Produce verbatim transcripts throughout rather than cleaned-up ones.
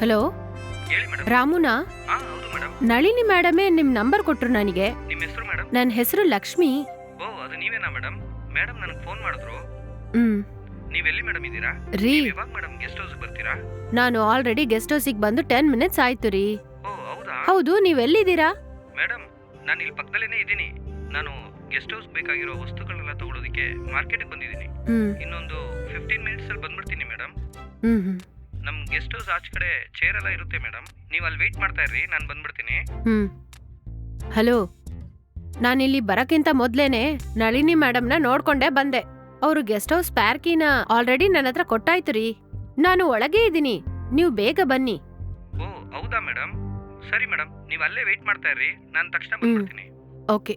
Hello, ಹೇಳಿ madam. ರಾಮುನಾ? ಹಾ ಹೌದು ಮೇಡಮ್. ನಳಿನಿ ಮೇಡಮೇ ನಿಮ್ ನಂಬರ್ ಕೊಟ್ರು ನನಗೆ. ನಿಮ್ಮ ಹೆಸರು ಮೇಡಮ್? ನನ್ನ ಹೆಸರು ಲಕ್ಷ್ಮಿ. ಓ ಅದು ನೀವೇನಾ ಮೇಡಮ್? ಮೇಡಮ್ ನನಗೆ ಫೋನ್ ಮಾಡಿದ್ರು. ಹ್ಮ್ ನೀವೆಲ್ಲಿ ಮೇಡಮ್ ಇದ್ದೀರಾ? ರೀ, ಇವಾಗ ಮೇಡಮ್ ಗೆಸ್ಟ್ ಹೌಸ್ ಬರ್ತೀರಾ? ನಾನು ಆಲ್ರೆಡಿ ಗೆಸ್ಟ್ ಹೌಸಿಗೆ ಬಂದು ಟೆನ್ ಮಿನಿಟ್ಸ್ ಆಯ್ತು ರೀ. ಓ ಹೌದಾ? ಹೌದು, ನೀವೆಲ್ಲಿದ್ದೀರಾ? ಮೇಡಮ್ ನಾನು ಇಲ್ಲಿ ಪಕ್ಕದಲ್ಲೇನೆ ಇದ್ದೀನಿ. ನಾನು ಗೆಸ್ಟ್ ಹೌಸ್ ಬೇಕಾಗಿರೋ ವಸ್ತುಗಳನ್ನೆಲ್ಲ ತಗೊಳ್ಳೋದಕ್ಕೆ ಮಾರ್ಕೆಟ್ಗೆ ಬಂದಿದ್ದೀನಿ. ಹ್ಮ್ ಇನ್ನೊಂದು ಫಿಫ್ಟೀನ್ ಮಿನಿಟ್ಸ್ ಅಲ್ಲಿ ಬಂದ್ಬಿಡ್ತೀನಿ ಮೇಡಮ್. ಹ್ಮ್ ಹ್ಮ್ ನಮ್ ಗೆಸ್ಟ್ ಹೌಸ್ ಆಚೆ ಕಡೆ ಚೇರ್ ಎಲ್ಲ ಇರುತ್ತೆ ಮೇಡಮ್. ನೀವು ಅಲ್ಲಿ ವೇಟ್ ಮಾಡ್ತಾ ಇರ್ರಿ, ನಾನು ಬಂದ್ಬಿಡ್ತೀನಿ. ಹ್ಮ್ ಹಲೋ, ನಾನಿಲ್ಲಿ ಬರಕ್ಕಿಂತ ಮೊದ್ಲೇನೆ ನಳಿನಿ ಮೇಡಮ್ನ ನೋಡ್ಕೊಂಡೇ ಬಂದೆ. ಅವರು ಗೆಸ್ಟ್ ಹೌಸ್ ಸ್ಪೇರ್ ಕೀನ ಆಲ್ರೆಡಿ ನನ್ನ ಹತ್ರ ಕೊಟ್ಟಾಯ್ತು ರೀ. ನಾನು ಒಳಗೆ ಇದ್ದೀನಿ, ನೀವು ಬೇಗ ಬನ್ನಿ. ಓ ಹೌದಾ ಮೇಡಮ್? ಸರಿ ಮೇಡಮ್, ನೀವು ಅಲ್ಲೇ ವೇಟ್ ಮಾಡ್ತಾ ಇರ್ರಿ, ನಾನು ತಕ್ಷಣ ಬಂದ್ಬಿಡ್ತೀನಿ. ಓಕೆ.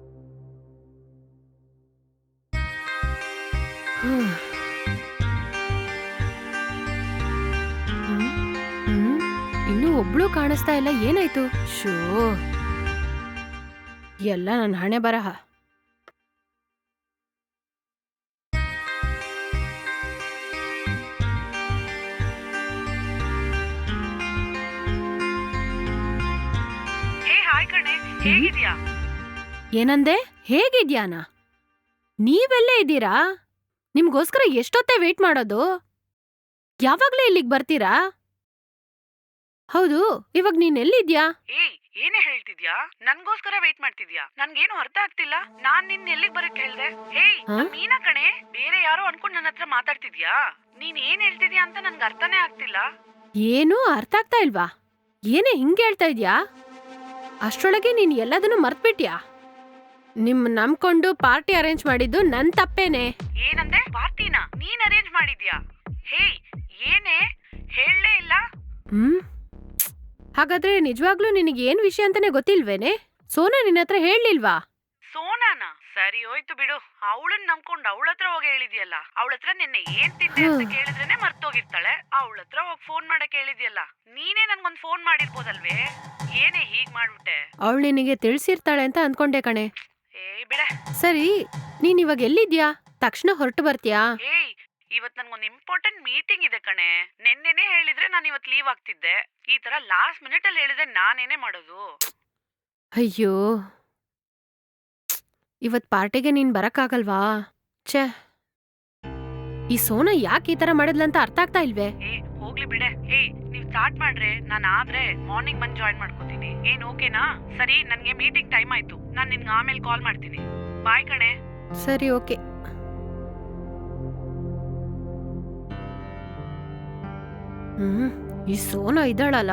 ಇನ್ನೂ ಒಬ್ಳು ಕಾಣಿಸ್ತಾ ಇಲ್ಲ, ಏನಾಯ್ತು? ಶೋ, ಎಲ್ಲ ನನ್ನ ಹಣೆ ಬರಹ. ಹೇ ಹಾಯ್ ಕಣೆ, ಹೇಗಿದ್ಯಾ? ಏನಂದೆ? ಹೇಗಿದ್ಯಾನಾ? ನೀವೆಲ್ಲೇ ಇದ್ದೀರಾ? ನಿಮ್ಗೋಸ್ಕರ ಎಷ್ಟೊತ್ತೇ ವೇಟ್ ಮಾಡೋದು? ಯಾವಾಗ್ಲೇ ಇಲ್ಲಿಗೆ ಬರ್ತೀರಾ? ಹೌದು, ಇವಾಗ ನೀನ್ ಎಲ್ಲಿದ್ಯಾ? ಏಯ್ ಏನೇ ಹೇಳ್ತಿದ್ಯಾ? ನನ್ಗೋಸ್ಕರ ವೇಟ್ ಮಾಡ್ತಿದ್ಯಾ? ನನ್ಗೇನು ಅರ್ಥ ಆಗ್ತಿಲ್ಲ. ನಾನ್ ನಿನ್ ಎಲ್ಲಿಗ್ ಬರಕ್ ಹೇಳ್ದೆ? ಹೇಯ್ ಹಾ? ನಾನ್ ಮೀನಾ ಕಣೆ, ಬೇರೆ ಯಾರೋ ಅನ್ಕೊಂಡ್ ನನ್ನ ಹತ್ರ ಮಾತಾಡ್ತಿದ್ಯಾ? ನೀನ್ ಏನ್ ಹೇಳ್ತಿದ್ಯಾ ಅಂತ ನನ್ಗೆ ಅರ್ಥನೇ ಆಗ್ತಿಲ್ಲ. ಏನೂ ಅರ್ಥ ಆಗ್ತಾ ಇಲ್ವಾ? ಏನೇ ಹಿಂಗ್ ಹೇಳ್ತಾ ಇದ್ಯಾ? ಅಷ್ಟ್ರೊಳಗೆ ನೀನ್ ಎಲ್ಲದನ್ನೂ ಮರ್ತ್ಬಿಟ್ಯಾ? ನಿಮ್ ನಂಬ್ಕೊಂಡು ಪಾರ್ಟಿ ಅರೇಂಜ್ ಮಾಡಿದ್ದು ನನ್ ತಪ್ಪೇನೆ. ಏನಂದೆ? ಪಾರ್ಟಿನಾ ನೀನ್ ಅರೇಂಜ್ ಮಾಡಿದ್ಯಾ? ಹೇಯ್ ಏನೇ ಹೇಳಲೇ ಇಲ್ಲ. ಹ್ಮ್ ಹಾಗಾದ್ರೆ ನಿಜವಾಗ್ಲೂ ನಿನಗೆ ಏನ್ ವಿಷಯ ಅಂತಾನೆ ಗೊತ್ತಿಲ್ವೇನೆ? ಸೋನಾ ನಿನ್ನ ಹತ್ರ ಹೇಳಲಿಲ್ವಾ? ಸೋನಾನಾ? ಸರಿ ಹೋಯ್ತು ಬಿಡು. ಅವಳನ್ನ ನಂಬ್ಕೊಂಡು ಅವಳ ಹತ್ರ ಹೋಗಿ ಹೇಳಿದ್ಯಲ್ಲ. ಅವಳ ಹತ್ರ ನಿನ್ನೆ ಏನ್ ತಿಂದೆ ಅಂತ ಕೇಳಿದ್ರೇನೆ ಮರ್ತೋಗಿರ್ತಾಳೆ. ಅವಳ ಹತ್ರ ಹೋಗಿ ಫೋನ್ ಮಾಡಕ್ ಹೇಳಿದ್ಯಲ್ಲ. ನೀನೇ ನನ್ಗೊಂದ್ ಫೋನ್ ಮಾಡಿರ್ಬೋದಲ್ವೇ? ಏನೇ ಹೀಗ್ ಮಾಡ್ಬಿಟ್ಟೆ? ಅವಳು ನಿನಗೆ ತಿಳಿಸಿರ್ತಾಳೆ ಅಂತ ಅನ್ಕೊಂಡೆ ಕಣೆ. ಏಯ್ ಬಿಡೆ. ಸರಿ, ನೀನ್ ಇವಾಗ ಎಲ್ಲಿದ್ಯಾ? ತಕ್ಷಣ ಹೊರಟು ಬರ್ತೀಯಾ? ಏಯ್ ಇವತ್ ನನ್ಗೊಂದ್ ಇಂಪಾರ್ಟೆಂಟ್ ಮೀಟಿಂಗ್ ಇದೆ ಕಣೆ. ನೆನ್ನೆನೆ ಹೇಳಿದ್ರೆ ನಾನು ಇವತ್ ಲೀವ್ ಆಗ್ತಿದ್ದೆ. ಈ ತರ ಲಾಸ್ಟ್ ಮಿನಿಟ್ ಅಲ್ಲಿ ಹೇಳಿದ್ರೆ ನಾನೇನೇ ಮಾಡೋದು? ಅಯ್ಯೋ, ಇವತ್ ಪಾರ್ಟಿಗೆ ನೀನ್ ಬರಕ್ಕಾಗಲ್ವಾ? ಛೇ, ಈ ಸೋನಾ ಯಾಕೆ ಈ ತರ ಮಾಡಿದ್ಲಂತ ಅರ್ಥ ಆಗ್ತಾ ಇಲ್ವೇ? ಏ ಹೋಗ್ಲಿ ಬಿಡೆ. ಏಯ್ ನೀವ್ ಸ್ಟಾರ್ಟ್ ಮಾಡ್ರೆ ನಾನು ಆದ್ರೆ ಮಾರ್ನಿಂಗ್ ಬಂದ್ ಜಾಯಿನ್ ಮಾಡ್ಕೋತೀನಿ. ಏನ್ ಓಕೆನಾ? ಸರಿ, ನನ್ಗೆ ಮೀಟಿಂಗ್ ಟೈಮ್ ಆಯ್ತು. ನಾನ್ ನಿನ್ಗೆ ಆಮೇಲೆ ಕಾಲ್ ಮಾಡ್ತೀನಿ. ಬಾಯ್ ಕಣೆ. ಸರಿ, ಓಕೆ. ಹ್ಮ್ ಈ ಸೋನಾ ಇದ್ದಾಳಲ್ಲ.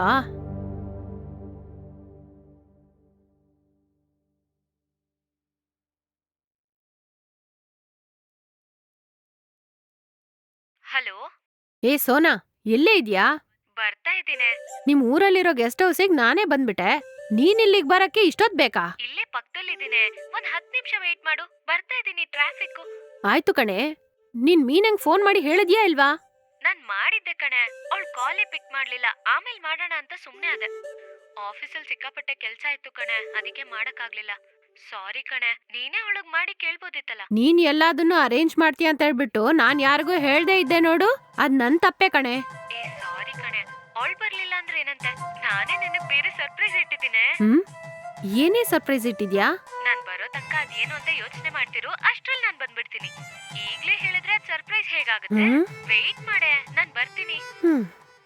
ಹಲೋ, ಏ ಸೋನಾ, ಎಲ್ಲೇ ಇದ್ಯಾ? ಬರ್ತಾ ಇದ್ದೀನಿ. ನಿಮ್ ಊರಲ್ಲಿರೋ ಗೆಸ್ಟ್ ಹೌಸಿಗೆ ನಾನೇ ಬಂದ್ಬಿಟ್ಟೆ. ನೀನ್ ಇಲ್ಲಿಗ್ ಬರಕ್ಕೆ ಇಷ್ಟೊತ್ ಬೇಕಾ? ಇಲ್ಲೇ ಪಕ್ಕದಲ್ಲಿದ್ದೀನಿ. ಒಂದ್ ಹತ್ತು ನಿಮಿಷ ವೇಟ್ ಮಾಡು. ಬರ್ತಾ ಇದ್ದೀನಿ. ಟ್ರಾಫಿಕ್. ಆಯ್ತು ಕಣೆ, ನೀನ್ ಮೀನಂಗ್ ಫೋನ್ ಮಾಡಿ ಹೇಳಿದ್ಯಾ ಇಲ್ವಾ? ನಾನ್ ಮಾಡಿದ್ದೆ ಕಣೆ, ಅವಳು ಕಾಲೇ ಪಿಕ್ ಮಾಡ್ಲಿಲ್ಲ. ಆಮೇಲೆ ಮಾಡೋಣ ಅಂತ ಸುಮ್ನೆ ಅದೆ. ಆಫೀಸಲ್ಲಿ ಸಿಕ್ಕಾಪಟ್ಟೆ ಕೆಲ್ಸ ಇತ್ತು ಕಣೆ, ಅದಕ್ಕೆ ಮಾಡಕ್ಕಾಗ್ಲಿಲ್ಲ. ಸಾರಿ ಕಣೆ, ನೀನೇ ಅವಳಗ್ ಮಾಡಿ ಕೇಳ್ಬೋದಿತ್ತಲ್ಲ. ನೀನ್ ಎಲ್ಲದನ್ನು ಅರೇಂಜ್ ಮಾಡ್ತೀಯ ಅಂತ ಹೇಳ್ಬಿಟ್ಟು ನಾನ್ ಯಾರಿಗೂ ಹೇಳ್ದೇ ಇದ್ದೆ ನೋಡು, ಅದ್ ನನ್ ತಪ್ಪೆ ಕಣೆ. ಏ ಸಾರಿ ಕಣೆ, ಅವಳು ಬರ್ಲಿಲ್ಲ ಅಂದ್ರೆ ಏನಂತೆ? ನಾನೇ ನಿನಗ್ ಬೇರೆ ಸರ್ಪ್ರೈಸ್ ಇಟ್ಟಿದ್ದೀನಿ. ಹ್ಮ್ ಏನೇ ಸರ್ಪ್ರೈಸ್ ಇಟ್ಟಿದ್ಯಾ? ನಾನ್ ಬರೋ ತನಕ ಅದೇನು ಅಂತ ಯೋಚನೆ ಮಾಡ್ತಿರು. ಅಷ್ಟ್ರಲ್ಲಿ ನಾನ್ ಬಂದ್ಬಿಡ್ತೀನಿ. ಈಗ್ಲೇ ಹೇಳಿದ್ರೆ ಅದ್ ಸರ್ಪ್ರೈಸ್ ಹೇಗಾಗುತ್ತೆ? ಹ್ಮ್ ವೇಟ್ ಮಾಡೆ, ನಾನ್ ಬರ್ತೀನಿ. ಹ್ಮ್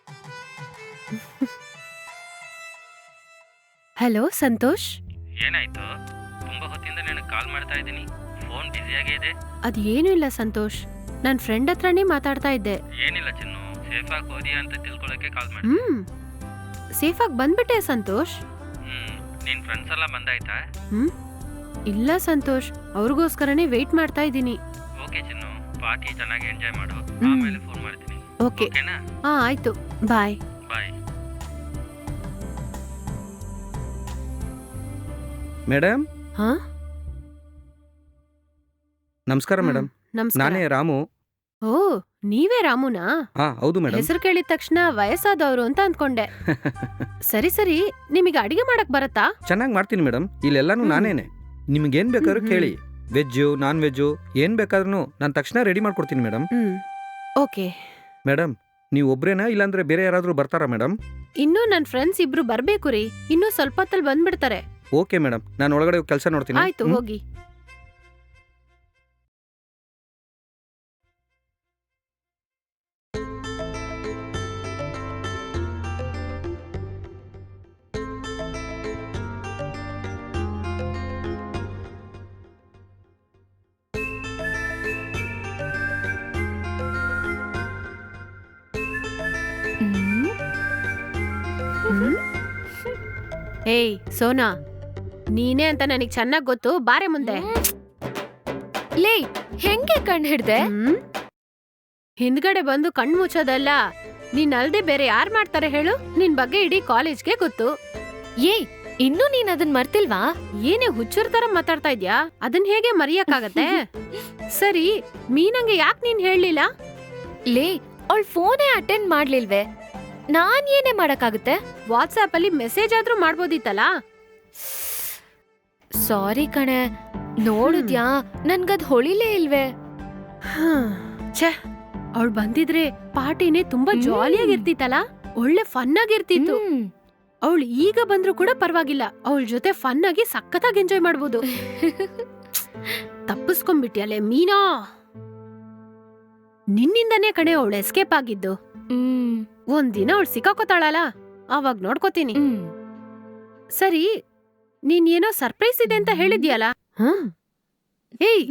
ಹಲೋ ಸಂತೋಷ್. ಏನಾಯ್ತು? ತುಂಬಾ ಹೊತ್ತಿಂದ ನನಗೆ ಕಾಲ್ ಮಾಡ್ತಾ ಇದ್ದೀನಿ, ಫೋನ್ ಬ್ಯುಸಿಯಾಗೇ ಇದೆ. ಅದ್ ಏನೂ ಇಲ್ಲ ಸಂತೋಷ್, ನನ್ ಫ್ರೆಂಡ್ ಹತ್ರನೇ ಮಾತಾಡ್ತಾ ಇದ್ದೆ. ಏನಿಲ್ಲ ಚಿನ್ನು, ಸೇಫ್ ಆಗಿ ಹೋದಿಯಾ ಅಂತ ತಿಳ್ಕೊಳ್ಳೋಕೆ ಕಾಲ್ ಮಾಡಿ. ಹ್ಮ್ ಸೇಫಾಗಿ ಬಂದ್ಬಿಟ್ಟೆ ಸಂತೋಷ್. ಹ್ಮ್ ನಿನ್ ಫ್ರೆಂಡ್ಸ್ ಎಲ್ಲ ಬಂದಾಯ್ತಾ? ಹ್ಮ್ ಇಲ್ಲ ಸಂತೋಷ್, ಅವ್ರಿಗೋಸ್ಕರನೇ ವೇಟ್ ಮಾಡ್ತಾ ಇದ್ದೀನಿ. ಓಕೆ ಚಿನ್ನು, ಪಾರ್ಟಿ ಚೆನ್ನಾಗಿ ಎಂಜಾಯ್ ಮಾಡು. ಹ್ಮ್. ಆಮೇಲೆ ಫೋನ್ ಮಾಡ್ತೀನಿ. ಓಕೆ, ಓಕೆನಾ? ಹಾ ಆಯ್ತು, ಬಾಯ್. ಬಾಯ್. ಮೇಡಮ್, ಹಾ ನಮಸ್ಕಾರ ಮೇಡಮ್. ನಮಸ್ಕಾರ. ನಾನೇ ರಾಮು. ಓ, ನೀವೇ ರಾಮುನಾ? ಹಾ ಹೌದು ಮೇಡಮ್. ಹೆಸರು ಕೇಳಿದ ತಕ್ಷಣ ವಯಸ್ಸಾದವರು ಅಂತ ಅನ್ಕೊಂಡೆ. ಸರಿ ಸರಿ, ನಿಮಗೆ ಅಡಿಗೆ ಮಾಡಕ್ ಬರತ್ತಾ? ಚೆನ್ನಾಗಿ ಮಾಡ್ತೀನಿ ಮೇಡಮ್, ಇಲ್ಲೆಲ್ಲಾನು ಹ್ಮ್. ನಾನೇನೆ. ನಿಮ್ಗೇನ್ ಬೇಕಾದ್ರೂ ಹ್ಮ್, ಕೇಳಿ, ವೆಜ್ಜು ನಾನ್ ವೆಜ್ಜು ಏನ್ ಬೇಕಾದ್ರೂ ನಾನು ತಕ್ಷಣ ರೆಡಿ ಮಾಡ್ಕೊಡ್ತೀನಿ ಮೇಡಮ್. ಹ್ಮ್ ಓಕೆ. ಮೇಡಮ್, ನೀವು ಒಬ್ರೇನಾ ಇಲ್ಲಾಂದ್ರೆ ಬೇರೆ ಯಾರಾದರೂ ಬರ್ತಾರಾ ಮೇಡಮ್? ಇನ್ನೂ ನನ್ ಫ್ರೆಂಡ್ಸ್ ಇಬ್ರು ಬರ್ಬೇಕು ರೀ. ಇನ್ನೂ ಸ್ವಲ್ಪ ಹೊತ್ತಲ್ಲಿ ಬಂದ್ಬಿಡ್ತಾರೆ. ಓಕೆ ಮೇಡಮ್, ನಾನು ಒಳಗಡೆ ಕೆಲಸ ನೋಡ್ತೀನಿ. ಆಯ್ತು, ಹ್ಮ್? ಹೋಗಿ. ಏಯ್ ಸೋನಾ, ನೀನೇ ಅಂತ ನನಗ್ ಚೆನ್ನಾಗ್ ಗೊತ್ತು. ಬಾರೆ ಮುಂದೆ. ಲೇ, ಹೆಂಗೆ ಕಣ್ ಹಿಡ್ದೆ? ಹ್ಮ್? ಹಿಂದ್ಗಡೆ ಬಂದು ಕಣ್ ಮುಚ್ಚೋದಲ್ಲ. ನೀನ್ ಅಲ್ದೆ ಬೇರೆ ಯಾರ್ ಮಾಡ್ತಾರೆ ಹೇಳು? ನಿನ್ ಬಗ್ಗೆ ಇಡೀ ಕಾಲೇಜ್ಗೆ ಗೊತ್ತು. ಏಯ್, ಇನ್ನೂ ನೀನ್ ಅದನ್ ಮರ್ತಿಲ್ವಾ? ಏನೇ ಹುಚ್ಚರ್ ತರ ಮಾತಾಡ್ತಾ ಇದ್ಯಾ? ಅದನ್ ಹೇಗೆ ಮರೆಯಕ್ಕಾಗತ್ತೆ? ಸರಿ, ಮೀನಂಗೆ ಯಾಕ್ ನೀನ್ ಹೇಳ್ಲಿಲ್ಲ? ಲೇ, ಅವಳ್ ಫೋನೇ ಅಟೆಂಡ್ ಮಾಡ್ಲಿಲ್ವೇ? ನಾನ್ ಏನೇ ಮಾಡಕ್ಕಾಗುತ್ತೆ? ವಾಟ್ಸ್ಆಪ್ ಅಲ್ಲಿ ಮೆಸೇಜ್ ಆದ್ರೂ ಮಾಡ್ಬೋದಿತ್ತಲ್ಲ. ಸಾರಿ ಕಣೆ, ನೋಡಿದ್ಯಾ ನನ್ಗದ್ ಹೊಳಿಲೇ ಇಲ್ವೇ? ಛೇ, ಅವಳು ಬಂದಿದ್ರೆ ಪಾರ್ಟಿನೇ ತುಂಬಾ ಜಾಲಿಯಾಗಿರ್ತಿತ್ತಲ್ಲ. ಒಳ್ಳೆ ಫನ್ ಆಗಿರ್ತಿತ್ತು. ಹ್ಮ್. ಅವಳು ಈಗ ಬಂದ್ರು ಕೂಡ ಪರವಾಗಿಲ್ಲ. ಅವಳ ಜೊತೆ ಫನ್ ಆಗಿ ಸಖತ್ತಾಗಿ ಎಂಜಾಯ್ ಮಾಡ್ಬೋದು. ತಪ್ಪಿಸ್ಕೊಂಡ್ಬಿಟ್ಯಲೆ ಮೀನಾ. ನಿನ್ನಿಂದನೇ ಕಣೆ ಅವಳು ಎಸ್ಕೇಪ್ ಆಗಿದ್ದು. ಹ್ಮ್. ಒಂದಿನ ಅವಳು ಸಿಕ್ಕಾಕೋತಾಳಲ್ಲ, ಅವಾಗ ನೋಡ್ಕೋತೀನಿ. ಹ್ಮ್. ಸರಿ, ನೀನ್ ಏನೋ ಸರ್ಪ್ರೈಸ್ ಇದೆ ಅಂತ ಹೇಳಿದ್ಯಲ್ಲ? ಹ್ಮ್. ಏಯ್,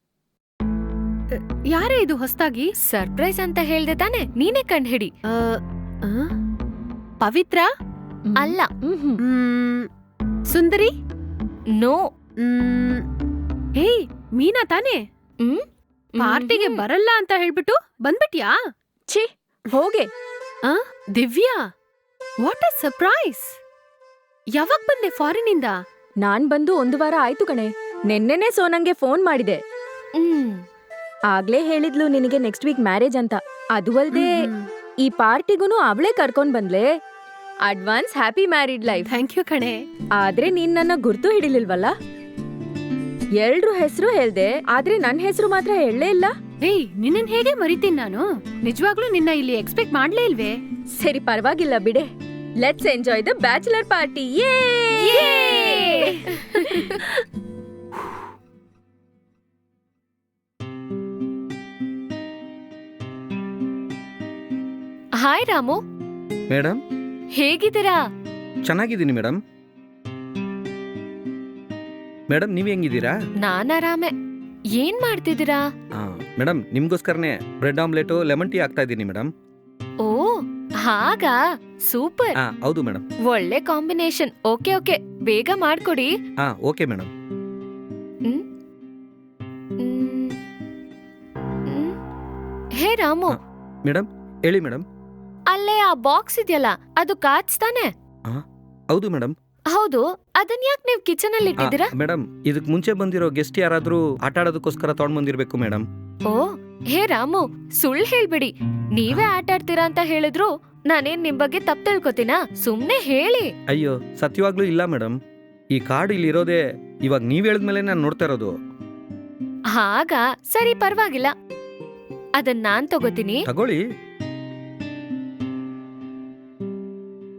ಯಾರೇ ಇದು ಹೊಸ್ದಾಗಿ? ಸರ್ಪ್ರೈಸ್ ಅಂತ ಹೇಳ್ದೆ ತಾನೆ, ನೀನೇ ಕಂಡ್ ಹಿಡಿ. ಆ, ಆ? ಪವಿತ್ರ? ಅಲ್ಲ. ಮ್, ಸುಂದರಿ? ನೋ. ಮ್, ಏಯ್, ಮೀನಾ ತಾನೆ? ಹ್ಮ್. ಪಾರ್ಟಿಗೆ ಬರಲ್ಲ ಅಂತ ಹೇಳ್ಬಿಟ್ಟು ಬಂದ್ಬಿಟ್ಯಾ? ಛೀ, ಹೋಗೆ. ಆ, ದಿವ್ಯಾ, ವಾಟ್ ಅ ಸರ್ಪ್ರೈಸ್! ಯಾವಾಗ ಬಂದೆ ಫಾರಿನಿಂದ? ನಾನ್ ಬಂದು ಒಂದು ವಾರ ಆಯ್ತು ಕಣೆ. ನೆನ್ನೆನೆ ಸೋನಂಗೆ ಫೋನ್ ಮಾಡಿದೆ. ಹ್ಮ್. ಆಗ್ಲೇ ಹೇಳಿದ್ಲು ನಿನಗೆ ನೆಕ್ಸ್ಟ್ ವೀಕ್ ಮ್ಯಾರೇಜ್ ಅಂತ. ಅದು ಅಲ್ದೆ ಈ ಪಾರ್ಟಿಗೂನು ಅವಳೇ ಕರ್ಕೊಂಡ್ ಬಂದ್ಲೆ. Advance happy married life. Thank you ಕಣೆ. ಆದ್ರೆ ನೀನ್ ನನ್ನ ಗುರ್ತು ಹಿಡಿಲಿಲ್ವಲ್ಲ? ಎಲ್ರು ಹೆಸರು ಹೇಳ್ದೆ, ಆದ್ರೆ ನನ್ ಹೆಸರು ಮಾತ್ರ ಹೇಳಲೇ ಇಲ್ಲ. ಏಯ್, ನಿನ್ನನ್ ಹೇಗೆ ಮರಿತೀನಿ ನಾನು? ನಿಜವಾಗ್ಲೂ ನಿನ್ನ ಇಲ್ಲಿ ಎಕ್ಸ್ಪೆಕ್ಟ್ ಮಾಡ್ಲೇ ಇಲ್ವೇ? ಸರಿ, ಪರವಾಗಿಲ್ಲ ಬಿಡೆ. Let's enjoy the bachelor party. Hi Ramu, madam, ಹೇಗಿದ್ದೀರಾ? ಚೆನ್ನಾಗಿದ್ದೀನಿ ಮೇಡಮ್. ಮೇಡಮ್, ನೀವು ಹೆಂಗಿದ್ದೀರಾ? ನಾನ್ ಆರಾಮೆ. ಏನ್ ಮಾಡ್ತಿದ್ದೀರಾ? ಆ, ಮೇಡಮ್, ನಿಮ್ಗೋಸ್ಕರನೇ ಬ್ರೆಡ್ ಆಮ್ಲೆಟು ಲೆಮನ್ ಟೀ ಆಗ್ತಾ ಇದ್ದೀನಿ ಮೇಡಮ್. ಓ, ಹಾಗಾ? ಸೂಪರ್. ಹಾ, ಹೌದು ಮೇಡಮ್. ಒಳ್ಳೆ ಕಾಂಬಿನೇಷನ್. ಓಕೆ ಓಕೆ, ಬೇಗ ಮಾಡ್ಕೊಡಿ. ಹಾ, ಓಕೆ ಮೇಡಮ್. ಹ್ಮ್? ಹ್ಮ್. ಹ್ಮ್. ಹೇ ರಾಮು, ಮೇಡಮ್, ಹೇಳಿ ಮೇಡಮ್. ಅಲ್ಲೇ ಆ ಬಾಕ್ಸ್ ಇದೆಯಲ್ಲ, ಅದು ಕಾಚ್ ತಾನೆ? ಹೌದು ಮೇಡಮ್. ಹೌದು, ಅದನ್ ಯಾಕೆ ನೀವ್ ಕಿಚನ್ ಅಲ್ಲಿ ಇಟ್ಟಿದ್ದೀರಾ? ಮೇಡಮ್, ಇದಕ್ ಮುಂಚೆ ಬಂದಿರೋ ಗೆಸ್ಟ್ ಯಾರಾದ್ರೂ ಆಟ ಆಡೋದಕ್ಕೋಸ್ಕರ ತಗೊಂಡ್ ಬಂದಿರ್ಬೇಕು ಮೇಡಮ್. ಓ, ಹೇ ರಾಮು, ಸುಳ್ಳು ಹೇಳ್ಬಿಡಿ. ನೀವೇ ಆಟ ಆಡ್ತೀರಾ ಅಂತ ಹೇಳಿದ್ರು ನಾನೇನ್ ನಿಮ್ ಬಗ್ಗೆ ತಪ್ಪು ತಿಳ್ಕೊತೀನಾ? ಸುಮ್ನೆ ಹೇಳಿ. ಅಯ್ಯೋ, ಸತ್ಯವಾಗ್ಲೂ ಇಲ್ಲ ಮೇಡಮ್. ಈ ಕಾರ್ಡ್ ಇಲ್ಲಿ ಇರೋದೇ ಇವಾಗ ನೀವ್ ಹೇಳಿದ್ಮೇಲೆ ನಾನು ನೋಡ್ತಾ ಇರೋದು. ಹಾಗಾ? ಸರಿ, ಪರವಾಗಿಲ್ಲ. ಅದನ್ ನಾನ್ ತಗೋತೀನಿ. ತಗೊಳ್ಳಿ.